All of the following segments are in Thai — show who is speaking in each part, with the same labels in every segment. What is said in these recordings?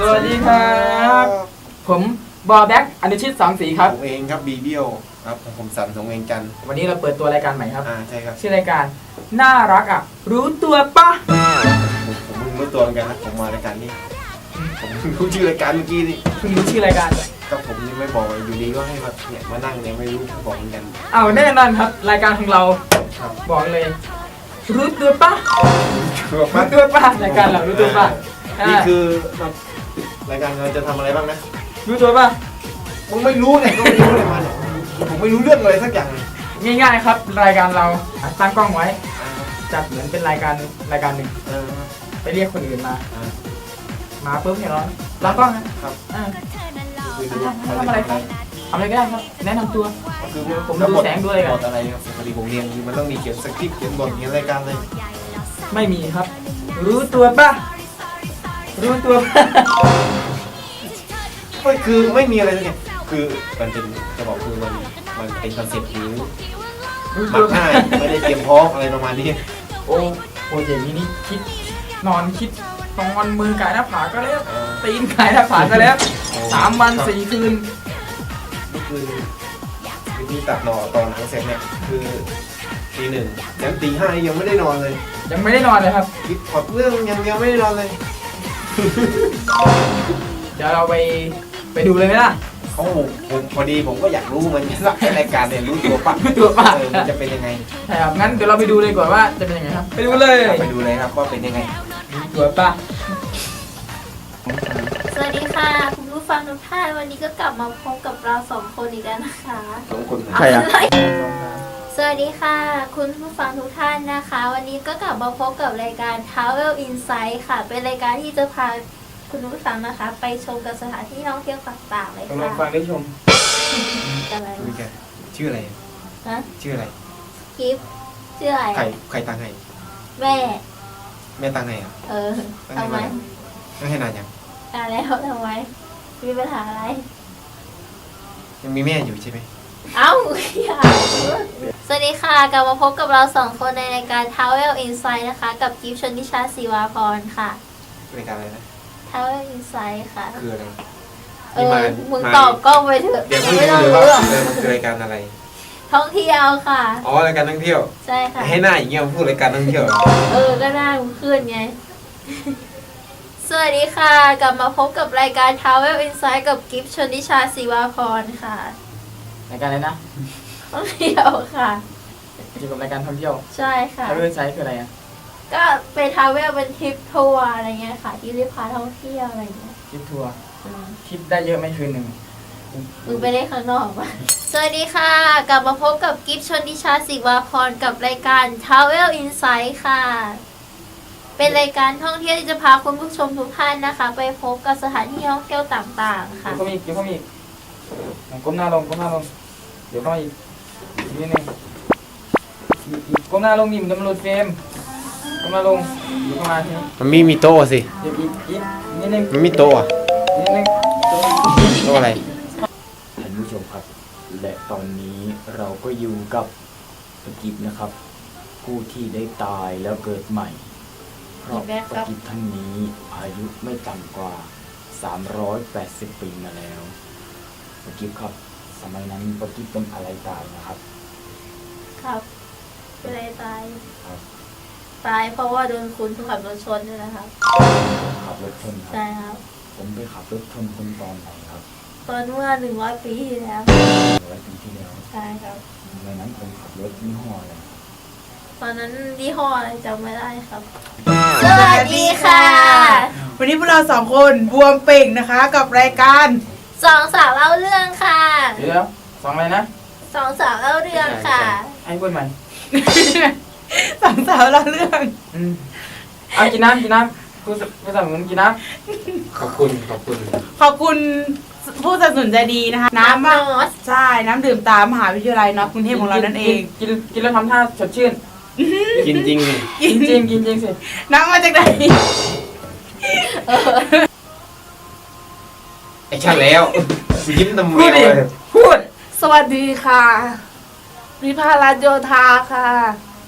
Speaker 1: วัสดีครับผมบอแบ็กอนุชิตสามสีครับ
Speaker 2: ผมเองครับบีเบี้ยวครับผมสันสงเวียงจันทร์
Speaker 1: วันนี้เราเปิดตัวรายการใหม่ครับ
Speaker 2: ใช่ครับ
Speaker 1: ชื่อรายการน่ารักอ่ะรู้ตัวปะ
Speaker 2: ผมเพิ่งรู้ตัวเหมือนกันนะผมมารายการนี้ผมรู้ชื่อรายการเมื่อกี้นี่
Speaker 1: เพิ่งรู้ชื่อรายการ
Speaker 2: ก็ผมยังไม่บอกอยู่ดีก็ให้มาเนี่ยมานั่งเนี่ยไม่รู้บอกเหมือนกัน
Speaker 1: เอาแน่นอนครับรายการของเราบอกเลยรู้ตัวปะรู้ตัวปะรายการเรารู้ตัวปะ
Speaker 2: นี่คือรายการเราจะทำอะไรบ้างนะ
Speaker 1: รู้ตัวปะ
Speaker 2: มึงไม่รู้เนี่ยก็ไม่รู้เลยมาเนี่ยผมไม่รู้เรื่องอะไรสักอย่างเลย
Speaker 1: ง่ายๆครับรายการเราตั้งกล้องไว้จัดเหมือนเป็นรายการหนึ่งไปเรียกคนอื่นมาปุ๊บเนี่ยเรากล้องนะครับทำอะไรครับทำอะไรก็ได้ครับแนะนำตัว
Speaker 2: คือ
Speaker 1: ผมดูแสงด้วยกัน
Speaker 2: อะไรครับพอดีผมเรียนมันต้องมีเขียนสคริปต์เขียนบทเขียนรายการเลย
Speaker 1: ไม่มีครับรู้ตัวปะรู้ตัว
Speaker 2: ก็คือไม่มีอะไรเลยเนี่ยคือมันเป็นจะบอกคือมันเป็นคอนเซ็ปต์นี้มักง่ายไม่ได้เตรียมพร้อมอะไรประมาณนี้
Speaker 1: โอ้ยอย่างนี้คิดนอนมือกายหน้าผาก็แล้วตีนกายหน้าผาก็แล้ว3 วัน 4 คืน
Speaker 2: นี่คือที่ตัดหน่อตอนหนังเสร็จเนี่ยคือตี 1ยันตี 5ยังไม่ได้นอนเลย
Speaker 1: ยังไม่ได้นอนเลยครับ
Speaker 2: คิดพอดเรื่องยังไม่ได้นอนเลย
Speaker 1: เดี๋ยวเราไปดูเลยไหมล่ะ
Speaker 2: ผมพอดีผมก็อยากรู้มันสักรายการเนี่ยรู้ตัวปะมันจะเป็นยังไง
Speaker 1: ใช่ครับงั้นเดี๋ยวเราไปดูเลยก่อนว่าจะเป็นยังไงครับไปดูเลย
Speaker 2: ครับว่าเป็นยังไง
Speaker 1: รู้ตัวปะ
Speaker 3: สวัสดีค่ะคุณผู้ฟังทุกท่านวันนี้ก็กลับมาพบกับเรา2 คนอีกแล้วนะคะ
Speaker 2: 2 คน
Speaker 1: ใครอ่ะ
Speaker 3: สวัสดีค่ะคุณผู้ฟังทุกท่านนะคะวันนี้ก็กลับมาพบกับรายการ Travel Insight ค่ะเป็นรายการที่จะพาคุณผู้ฟังนะคะไปชมกับสถานที่ท่องเที่ยวต่างๆเลยค่ะ
Speaker 1: ฟังได้ชม
Speaker 3: อะไร
Speaker 2: ชื่ออะไร
Speaker 3: ฮะ
Speaker 2: ชื่ออะไร
Speaker 3: คลิปชื่ออะไร
Speaker 2: ใครตั้งให้
Speaker 3: แม่
Speaker 2: ตั้งให้อ่ะ
Speaker 3: ทำไม
Speaker 2: ตั้งให้นานยัง
Speaker 3: แล้วทำไมมีปัญหาอะไร
Speaker 2: ยังมีแม่อยู่ใช่ไหม
Speaker 3: เอ้าสวัสดีค่ะกลับมาพบกับเรา2 คนในรายการ Travel Insight นะคะกับกิฟต์ชนทิชาศิวาพรค่ะ
Speaker 2: รายการอะไรนะ
Speaker 3: Travel Insight ค่ะ
Speaker 2: คืออะไร
Speaker 3: มึงตอบกล้องไปเถอะ
Speaker 2: ไม่ต้องรู้ว่ามันคือรายการอะไร
Speaker 3: ท่องเที่ยวค่ะ
Speaker 2: รายการท่องเที่ยว
Speaker 3: ใช่ค่ะ
Speaker 2: ให้หน้าอย่างเงี้ยพูดรายการท่องเที่ยว
Speaker 3: ก็หน้ามึงขึ้นไงสวัสดีค่ะกลับมาพบกับรายการ Travel Insight กับกิฟต์ชนทิชาศิวาพรค่ะ
Speaker 1: รายการอะไรนะ
Speaker 3: ท่องเที่ยวค่ะ
Speaker 1: เกี่ยวกับรายการท่องเที่ยว
Speaker 3: ใช่ค่ะ
Speaker 1: Travel Insight คืออะไรอ่ะ
Speaker 3: ก็เป็น Travel เป็นทริปทัวร์อะไรเงี้ยค่ะที่ได้พาท่องเที่ยวอะไรเงี้ย
Speaker 1: ทริปทัวร์ทริปได้เยอะไหมคืนหนึ่ง
Speaker 3: มึงไปได้ข้างนอกป่ะสวัสดีค่ะกลับมาพบกับกิฟต์ชนทิชาศิวาพรกับรายการ Travel Insight ค่ะเป็นรายการท่องเที่ยวที่จะพาคุณผู้ชมทุกท่านนะคะไปพบกับสถานที่ท่องเที่ยวต่างๆค่ะ
Speaker 1: ก็มีก้มหน้าลงเดี๋ยวก็อีกนิดนึงก้มหน้าลงนี่มันจะมาหลุดเฟรมก้มหน้าลงอยู่เข้ามาทีนี้
Speaker 2: มันมีโต๊ะสิ
Speaker 1: เดี๋ยวอีกนิดนึง
Speaker 2: มันมีโต๊ะ
Speaker 1: นิดนึง
Speaker 2: โต๊ะอะไร
Speaker 1: ท่านผู้ชมครับและตอนนี้เราก็อยู่กับปะกิบนะครับผู้ที่ได้ตายแล้วเกิดใหม่เพราะปะกิบท่านนี้อายุไม่ต่ำกว่า380 ปีมาแล้วปะกิบครับสมัยนั้นปะกิบเป็นอะไรตายนะครับ
Speaker 3: ครับเป็นอะไรตายตายเพราะว่าโดนคุณขับรถชนด้วยนะครับ
Speaker 1: ขับรถชนครับ
Speaker 3: ใช่ครับ
Speaker 1: ผมไปขับรถชนคนตอนไหนครับ
Speaker 3: ตอนเมื่อ100 ปีที่แล้ว
Speaker 1: 100 ปีที่แล้ว
Speaker 3: ใช่ครับ
Speaker 1: ในนั้นผมขับรถยี่ห้ออะไร
Speaker 3: ตอนนั้นยี่ห้ออะไรจำไม่ได้ครับสวัสดีค่ะ
Speaker 4: วันนี้พวกเรา2 คนบวมเป่งนะคะกับรายการ
Speaker 3: 2 สาวเล่าเรื่องค่ะ
Speaker 1: เดี๋ยว2อะไรนะ
Speaker 3: 2 สาวเล่าเรื่องค่ะ
Speaker 1: ให้พูดใหม่
Speaker 4: 2 สาวเล่าเรื่อง
Speaker 1: เอากินน้ำผู้สนับสนุนกินน้
Speaker 2: ำขอบคุณ
Speaker 4: ผู้สนับสนุนใจดีนะคะน้ำใช่น้ำดื่มตามมหาวิทยาลัยน็อตกรุงเทพของเรานั่นเอง
Speaker 1: กินแล้วทำท่าสดชื่น
Speaker 2: กินจริง
Speaker 1: สิ
Speaker 4: น้ำมาจากไหน
Speaker 2: ไอ้ชันแล้วยิ้มตำเมียวเลย
Speaker 1: พูด
Speaker 4: สวัสดีค่ะวิภารัตน์โยธาค่ะ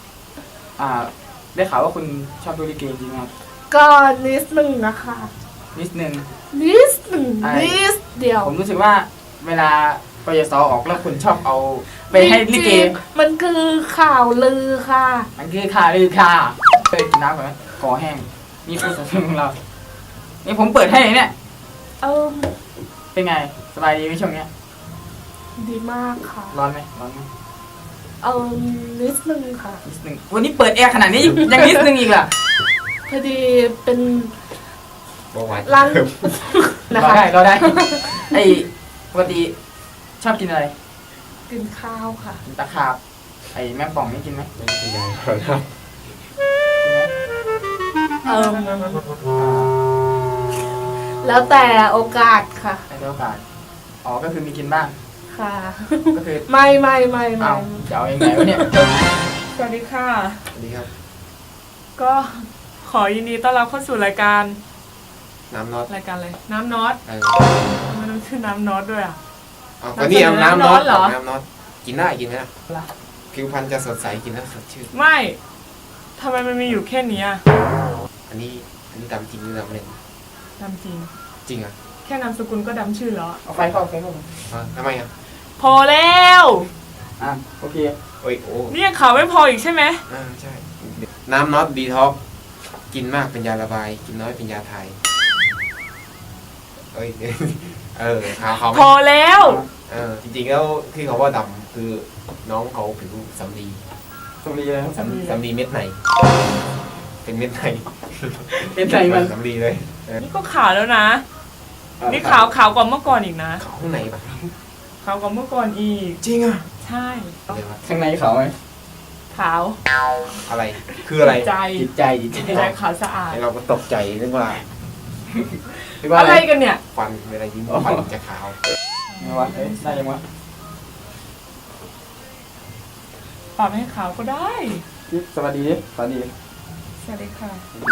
Speaker 1: ได้ข่าวว่าคุณชอบดูลิเกจริงไหมครับ
Speaker 4: ก็นิดนึงนะคะ
Speaker 1: นิดนึง
Speaker 5: นิดหนึ่ง
Speaker 1: ไอ้
Speaker 5: นิดเดียว
Speaker 1: ผมรู้สึกว่าเวลากยศออกแล้วคุณชอบเอาไปให้ลิเก
Speaker 5: จริงๆมันคือข่าวลือค่ะ
Speaker 1: มันคือข่าวลือค่ะเคยกินน้ำก่อนไหมคอแห้งนี่คือสำเนียงของเรา นี่ผมเปิดให้เนี่ย
Speaker 5: เออ
Speaker 1: เป็นไงสบายดีไหมช่วงเนี้ย
Speaker 5: ดีมากค่ะ
Speaker 1: ร้อนไหมร้อนไหม
Speaker 5: เออนิดนึงค่ะ
Speaker 1: นิดนึงวันนี้เปิดแอร์ขนาดนี้ยังนิดนึงอีกเหรอ
Speaker 5: พอดีเป็น
Speaker 2: บอกไว้
Speaker 5: รัง นะ
Speaker 1: รอ
Speaker 5: คะ
Speaker 1: ได้รอได้ ไอ้ปกติชอบกินอะไร
Speaker 5: กินข้าวค่ะ
Speaker 1: กินตะขาบไอ้แมงป่องนี่กินไหม
Speaker 2: ไม่เป็นไรครับ
Speaker 5: เออแล้วแต่โอกาสค่ะ
Speaker 1: ในโอกาสอ๋อก็คือมีกินบ้าง
Speaker 5: ค่ะ
Speaker 1: ก็คือ
Speaker 5: ไม่
Speaker 1: เอาจะเอายังไงวะเนี่ย
Speaker 4: สวัสดีค่ะ
Speaker 2: สวัสดีครับ
Speaker 4: ก็ขอยินดีต้อนรับเข้าสู่รายการ
Speaker 2: น้ำน็อต
Speaker 4: รายการอะไรน้ำน็อต
Speaker 2: เออ
Speaker 4: ทำไมต้องชื่อน้ำน็อตด้วยอ่ะ
Speaker 2: เอาก็นี่เอาน้ำน็อต
Speaker 4: เหรอ
Speaker 2: น้ำน็อตกินได้กินไหมนะผิวพรรณจะสดใสกินแล้วสดชื่น
Speaker 4: ไม่ทำไมมันมีอยู่แค่นี้อ่ะ
Speaker 2: อันนี้ดำจริงหรือดำเล่น
Speaker 4: ดำจริง
Speaker 2: จริงอ่ะ
Speaker 4: แค่นามสกุลก็ดำชื่อแล้วอะ
Speaker 1: เอาไฟเข้าไฟเข้า
Speaker 2: ทำไมอ่ะ
Speaker 4: พอแล้ว
Speaker 1: อ่ะโอเค
Speaker 2: โอ้ยโอ้
Speaker 4: นี่ยังข่าวไม่พออีกใช่ไหม
Speaker 2: ใช่น้ำน็อตดีท็อกกินมากเป็นยาระบาย กินน้อยเป็นยาไทยเอ้ย เขา
Speaker 4: พอแล้ว
Speaker 2: จริงๆแล้วที่เขาว่าดำคือน้องเขาผิวสำลี
Speaker 1: สวัสดีเลยครับ
Speaker 2: สำลีเม็ดไหน เป็นเม็ดไหน
Speaker 1: เป็นไงมัน
Speaker 2: สำลีเลย
Speaker 4: นี่ก็ขาวแล้วนะ นี่ขาวกว่าเมื่อก่อนอีกนะ
Speaker 2: เขาข้างในปะ
Speaker 4: ขาวกว่าเมื่อก่อนอีก
Speaker 2: จริงอ่ะ
Speaker 4: ใช่
Speaker 2: เดี๋ยวนะ
Speaker 1: ข้างในเขาไหม
Speaker 4: ขาว
Speaker 2: อะไรคืออะไร
Speaker 4: ใจ
Speaker 1: จิตใจจิตใจ
Speaker 4: ใจขาวสะอาด
Speaker 2: เราก็ตกใจนึกว่า
Speaker 1: หรือว่า
Speaker 4: อะ
Speaker 1: อะไร ไร
Speaker 4: กันเนี่ย
Speaker 2: ฟันเวลายิ้มฟันจะขาว
Speaker 1: ไงวะเฮ้ยได้ยังวะ
Speaker 4: ปรับให้ขาวก็ได้
Speaker 1: สวัสดีดิสวัสดี
Speaker 4: สวัสดีค่ะ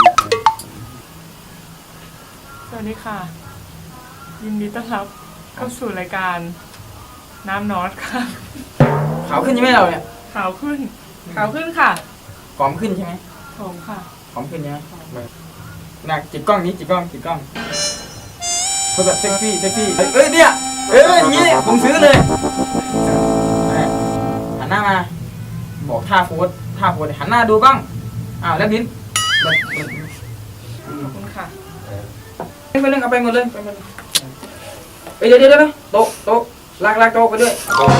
Speaker 4: สวัสดีค่ะ ยินดีต้อนรับเข้าสู่รายการน้ำน็อตค่ะ
Speaker 1: ขาวขึ้นใช่ไหมเราเนี่ย
Speaker 4: ขาวขึ้น ขาวขึ้นค่ะ
Speaker 1: ผอมขึ้นใช่ไหม
Speaker 4: ผมค่ะ
Speaker 1: ผอมขึ้นใช่ไหมหนักจิกกล้องนี้จิกกล้องคือแบบเซ็กซี่เอ้ยเนี่ยอย่างนี้ผมซื้อเลยหันหน้ามาบอกท่าโพสหันหน้าดูกล้องอ้าวแล้วลิ้น
Speaker 4: ขอบคุณค่ะ
Speaker 1: ไปเรื่องเอาไปหมดเลยเดี๋ยวโต๊ะลากโต๊ะไปด้วย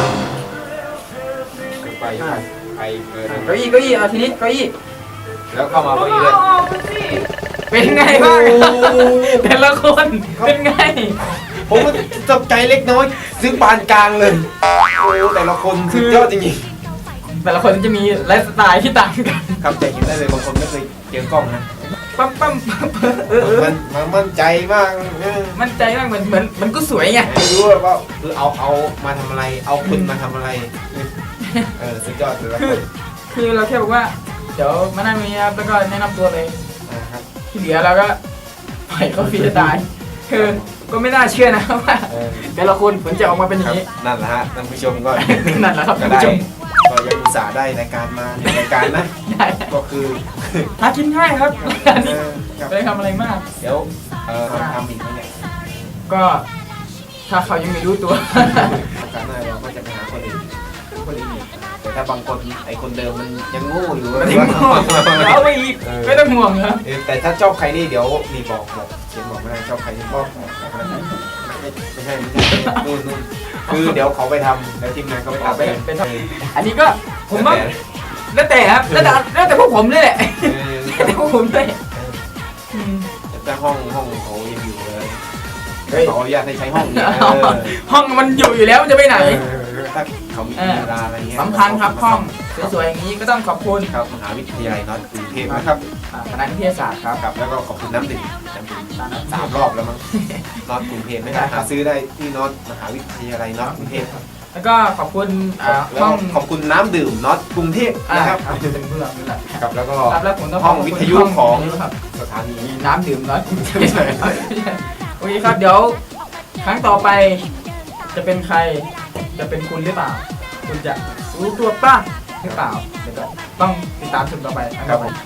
Speaker 2: ไปไปเปิด
Speaker 1: เก้าอี้เอาทีนี้เก้าอี้
Speaker 2: แล้วเข้ามาพอดีเลย
Speaker 1: เป็นไงบ้างแต่ละคนเป็นไง
Speaker 2: ผมก็ตกใจเล็กน้อยซื้อปานกลางเลยโอ้แต่ละคนสุดยอดจริง
Speaker 1: แต่ละคนจะมีไลฟ์สไตล์ที่ต่างกัน
Speaker 2: ๆครับแต่เห็นได้เลยบางคนไม่เคยเจอกล้องนะ
Speaker 1: ปั๊ม
Speaker 2: มันมั่นใจมาก
Speaker 1: มั่นใจมากเหมือนมันก็สวยไง
Speaker 2: ไม่รู้ว่าคือเอามาทำอะไร เอาคุณมาทำอะไรสุดยอดเลยละ
Speaker 1: คือเราแค่บอกว่าเดี๋ยวมานั่งนี้ครับแล้วก็แนะนำตัวเลย
Speaker 2: ครับ
Speaker 1: ที่เหลือเราก็ปล่อยเขาฟรีสไตล์คือก็ไม่น่าเชื่อนะว่าแต่ละคนผลจะออกมาเป็นอย่างนี้
Speaker 2: นั่นแหละฮะท่านผู้ชมก็
Speaker 1: นั่นแหละครับ
Speaker 2: ก็
Speaker 1: ท่าน
Speaker 2: ได้
Speaker 1: ผู้ชม
Speaker 2: ก็ยังอุตส่าห์ได้รายการมาในรายการนะ
Speaker 1: ได้
Speaker 2: ก็คือ
Speaker 1: หากินง่ายครับรายการนี้
Speaker 2: ครับ
Speaker 1: ไม่ได้ทำอะไรมาก
Speaker 2: เดี๋ยวทำอีกไหมเนี่ย
Speaker 1: ก็ถ้าเขายังไม่รู้ตัว
Speaker 2: โอกาสหน้าเราก็จะไปหาคนอื่นอีกแต่ถ้าบางคนไอคนเดิมมันยังโง่อยู่
Speaker 1: ไม่ต้องห่วงเอาไปอีกไม่ต้องห่วงครับ
Speaker 2: แต่ถ้าชอบใครนี่เดี๋ยวมีบอกเขียนบอกไม่ได้ชอบใครนี่บอกไม่ใช่นู่นคือเดี๋ยวเขาไปทำแล้วทีมงานเขาไป
Speaker 1: เอา
Speaker 2: ทำ
Speaker 1: เป็นอันนี้ก็ผมว่าแล้วแต่ครับแล้วแต่พวกผมเลยแหละแล้วแต่พวกผมเลย
Speaker 2: แต่ห้องเขายังอยู่เลย
Speaker 1: เฮ้ย
Speaker 2: ขออนุญาตให้ใช้ห้องนี้
Speaker 1: ห้องมันอยู่แล้วมันจะไปไหน
Speaker 2: ถ้าเขามีเวลาอะไรเงี้ย
Speaker 1: สำคัญครับห้องสวยๆอย่างนี้ก็ต้องขอบคุณ
Speaker 2: ครับมหาวิทยาลัยน็อตกรุงเทพนะครับ
Speaker 1: คณะวิทยาศาสตร์ครับ
Speaker 2: ครับแล้วก็ขอบคุณน้ำดื่ม3 รอบแล้วมั้งน็อตกรุงเทพไม่ได้หาซื้อได้ที่น็อตมหาวิทยาลัยน็อตกรุงเทพ
Speaker 1: แล้วก็ขอบคุณ
Speaker 2: แล้ว
Speaker 1: ห้อง
Speaker 2: ขอบคุณน้ำดื่มน็อตกรุงเทพนะครับ
Speaker 1: เป็นเพื่อนนี่แหละ
Speaker 2: ครับแล้วก็
Speaker 1: ครับแล้วผมต้อง
Speaker 2: ห้องวิทยุของ
Speaker 1: ครับ
Speaker 2: สถานี
Speaker 1: มีน้ำดื่มน้อยโอเคครับเดี๋ยวครั้งต่อไปจะเป็นใครจะเป็นคุณหรือเปล่า คุณจะรู้ตัวป่ะหรือเปล่าเดี๋ยวก็ต้องติดตามชมต่อไปนะครับผม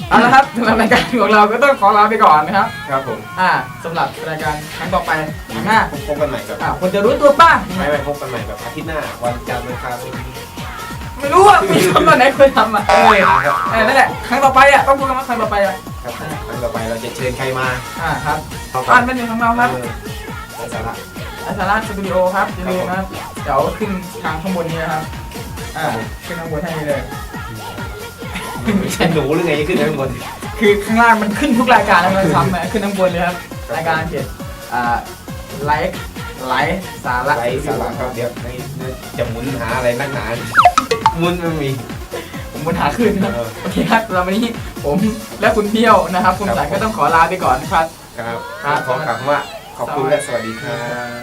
Speaker 6: เอาละครับสำหรับรายการของเราก็ต้องขอลาไปก่อนนะครับ
Speaker 2: ครับผม
Speaker 6: สำหรับรายการครั้งต่อไปข้างหน้า
Speaker 2: พบกันใหม่ครับ
Speaker 6: คนจะรู้ตัวป้า
Speaker 2: ไม่พบกันใหม่แบบอาทิตย์หน้าวันจันทร์วันอังคาร
Speaker 6: ไม่รู้อะมีทำตอนไหนเคยทำอ่ะนั่นแหละครั้งต่อไปอ่ะต้องพูดกันว่าครั้งต่อไปอ่ะ
Speaker 2: ครับครั้งต่อไปเราจะเชิญใครมา
Speaker 6: ครับ
Speaker 2: เอา
Speaker 6: บ้านเป็นหนึ่งของเราครับ
Speaker 2: ไร้สาระ
Speaker 6: อาสาราสตูดิโอครับอย่าลืมนะครับเดี๋ยวขึ้นทางข้างบนนี้นะครับขึ้นข้างบนให้เลย
Speaker 2: ไม่ใช่หนูหรือไงจะขึ้นข้างบน
Speaker 6: คือข้างล่างมันขึ้นทุกรายการแล้วมันซ้ำนะขึ้นข้างบนเลยครับรายการเจ็ดไลฟ์สาระ
Speaker 2: ไร้สาระครับเดี๋ยวจะหมุนหาอะไรนักหนาหมุนไม่มี
Speaker 6: ผมบนหาขึ้นครับ
Speaker 2: เออ
Speaker 6: โอเคครับสำหรับวันนี้ผมและคุณเที่ยวนะครับคุณสายก็ต้องขอลาไปก่อนครับ
Speaker 2: ครับขอกล่าวคำว่าขอบคุณและสวัสดีครับ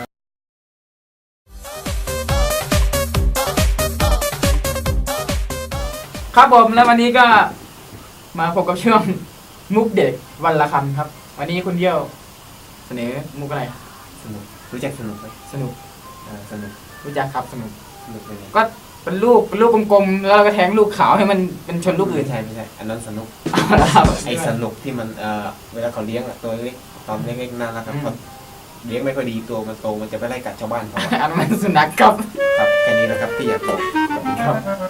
Speaker 6: ครับผมแล้ววันนี้ก็มาพบกับช่วงมุกเด็กวันละคำครับ วันนี้คุณเที่ยวเสนอมุกอะไร
Speaker 2: สนุกรู้จักสนุกไหม
Speaker 6: สนุก
Speaker 2: สนุก
Speaker 6: รู้จักครับสนุก
Speaker 2: สนุกเลย
Speaker 6: ก็เป็นลูกกลมๆแล้วเราก็แทงลูกขาวให้มันเป็นชนลูกอื่น
Speaker 2: ไม่ใช่อันนั้นสนุก
Speaker 6: เอาละครับ
Speaker 2: ไอ้สนุกที่มันเวลาเขาเลี้ยงอะตัวเล็กตอนเล็กๆน่ารักครับพอเลี้ยงไม่ค่อยดีตัวมันโตมันจะไปไล่กัดชาวบ้านเขาอะ
Speaker 6: อันนั้นมันสุนัขครับ
Speaker 2: ครับแค่นี้นะครับที่อยากบอก
Speaker 6: ครับ